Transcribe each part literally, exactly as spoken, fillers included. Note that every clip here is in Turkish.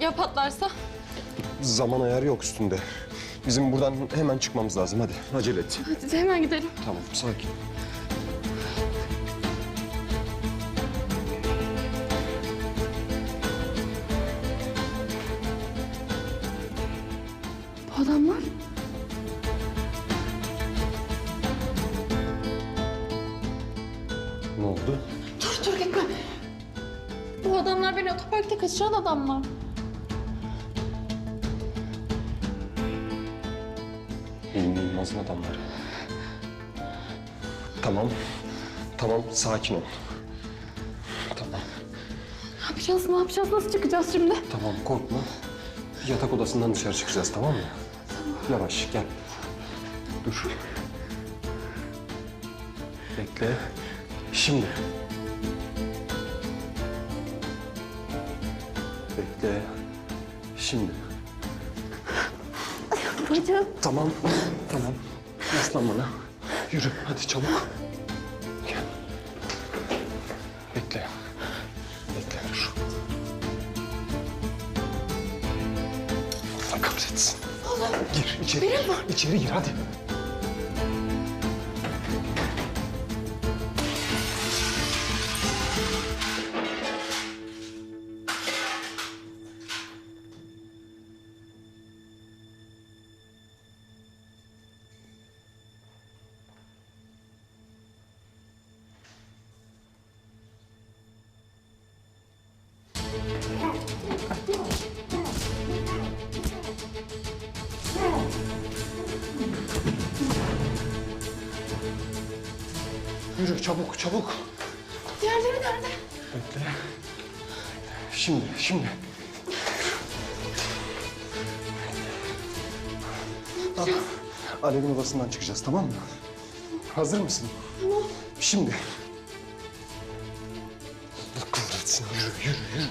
Ya patlarsa? Zaman ayarı yok üstünde. Bizim buradan hemen çıkmamız lazım. Hadi acele et. Hadi hemen gidelim. Tamam, sakin. Bu adamlar? Ne oldu? Dur dur gitme. Bu adamlar beni otoparkta kaçıran adamlar. Elimde Yılmaz'ın adamları. Tamam. Tamam, sakin ol. Tamam. Ne yapacağız, ne yapacağız, nasıl çıkacağız şimdi? Tamam, korkma. Yatak odasından dışarı çıkacağız, tamam mı? Tamam. Yavaş, gel. Dur. Bekle. Şimdi. Bekle. Şimdi. Bacım. Tamam. Tamam. Yaslan bana. Yürü, hadi çabuk. Gel. Bekle. Bekle, dur. Allah kahretsin. Allah. Gir içeri. Benim var. İçeri gir hadi. Yürü çabuk çabuk. Diğerleri nerede? Bekle. Şimdi şimdi. Ne yapacağız? Alev'in odasından çıkacağız, tamam mı? Hazır mısın? Tamam. Şimdi. Allah kahretsin. Yürü yürü yürü.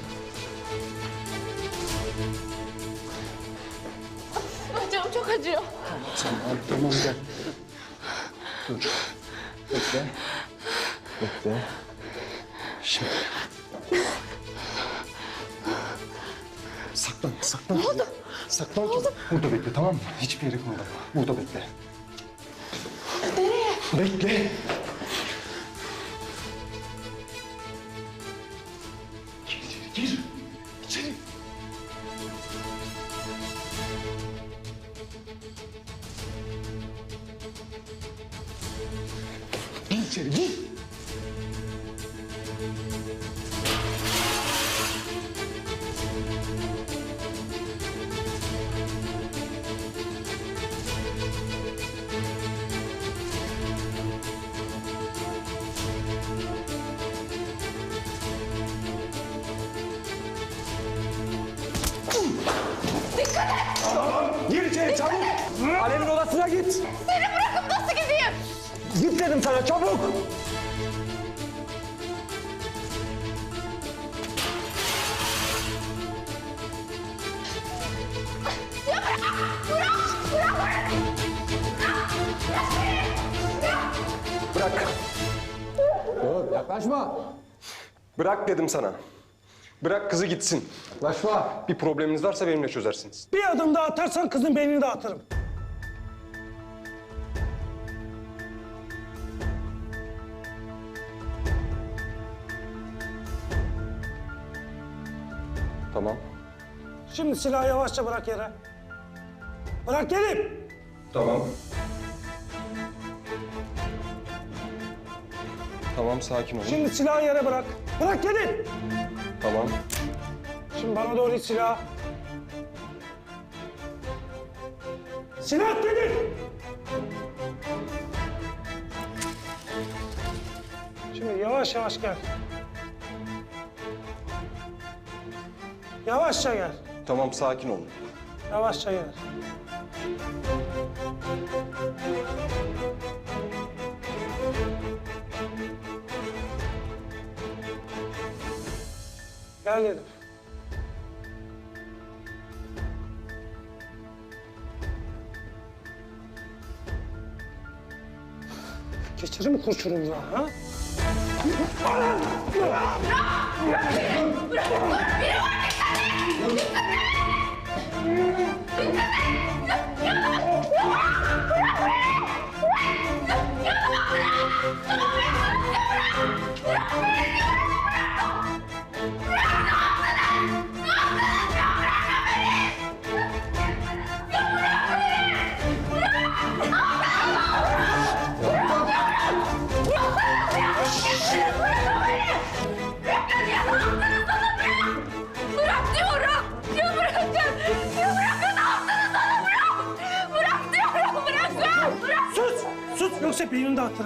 Bacağım çok acıyor. Tamam tamam gel. Dur. Bekle. Bekle. Şimdi. Saklan, saklan. Ne oldu? Saklan. Ne oldu? Burada bekle, tamam mı? Hiçbir yere kımıldama. Burada bekle. Nereye? Bekle. Gir içeri, gir. İçeri. Gir içeri, gir. Dikkat et! Gir içeri çabuk. Alev'in odasına git. Seni bırakıp nasıl gideyim? Git dedim sana çabuk. Bırak. Dur, yaklaşma. Bırak dedim sana. Bırak kızı gitsin. Yaklaşma. Bir probleminiz varsa benimle çözersiniz. Bir adım daha atarsan kızın beynini dağıtırım. Tamam. Şimdi silahı yavaşça bırak yere. Bırak dedim. Tamam. Tamam, sakin olun. Şimdi silahı yere bırak. Bırak dedim. Tamam. Şimdi bana doğru it silah. Silah dedim. Şimdi yavaş yavaş gel. Yavaşça gel. Tamam, sakin olun. Yavaşça gel. Gel dedim. Geçirir mi kurşunumuzu ha? Bırak! Bırak! Bırak! Biri var! Dikkat et! Dikkat et! Bahçe beynini dağıtırım.